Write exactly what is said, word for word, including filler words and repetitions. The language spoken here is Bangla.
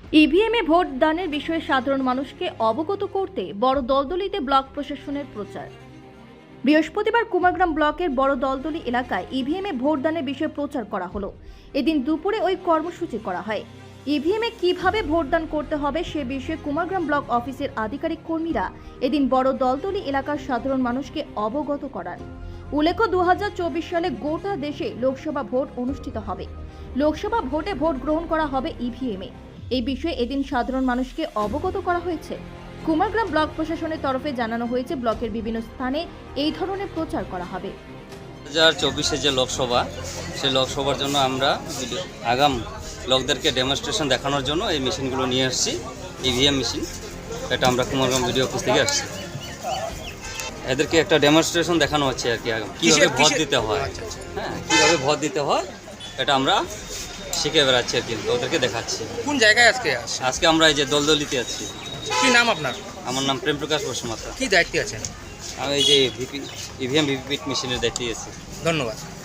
ইভিএমে ভোট দানের বিষয়ে সাধারণ মানুষকে অবগত করতে বড় দলদলিতে ব্লক প্রশাসনের প্রচার। বৃহস্পতিবার কুমারগ্রাম ব্লকের বড় দলদলি এলাকায় ইভিএমে ভোট দানের বিষয়ে প্রচার করা হলো। এদিন দুপুরে ওই কর্মসূচি করা হয়। ইভিএমে কিভাবে ভোটদান করতে হবে সে বিষয়ে কুমারগ্রাম ব্লক অফিসের আধিকারিক কর্মীরা এদিন বড় দলদলি এলাকার সাধারণ মানুষকে অবগত করান। উল্লেখ্য, দু হাজার চব্বিশ সালে গোটা দেশে লোকসভা ভোট অনুষ্ঠিত হবে। লোকসভা ভোটে ভোট গ্রহণ করা হবে ইভিএমে। এই বিষয়ে এদিন সাধারণ মানুষকে অবগত করা হয়েছে। কুমারগ্রাম ব্লক প্রশাসনের তরফে জানানো হয়েছে, ব্লকের বিভিন্ন স্থানে এই ধরনের প্রচার করা হবে। দু হাজার চব্বিশে যে লোকসভা, সেই লোকসভার জন্য আমরা আগাম লোকদেরকে ডেমনস্ট্রেশন দেখানোর জন্য এই মেশিনগুলো নিয়ে আসছি। ইভিএম মেশিন, এটা আমরা কুমারগ্রাম ভিডিও অফিস থেকে আসছি। এদেরকে একটা ডেমনস্ট্রেশন দেখানো হচ্ছে আর কি, আগাম কীভাবে ভোট দিতে হয়, হ্যাঁ কীভাবে ভোট দিতে হয় এটা আমরা শিখে বেড়াচ্ছি আর কি, ওদেরকে দেখাচ্ছি। কোন জায়গায় আজকে আসছে? আজকে আমরা এই যে দলদলিতে আছি। কি নাম আপনার? আমার নাম প্রেম প্রকাশ বসুমাতা। কি দায়িত্বে আছেন? আমি এই যে ভিপি ইভিএম ভিভিপিট মেশিনের দায়িত্বে আছি। ধন্যবাদ।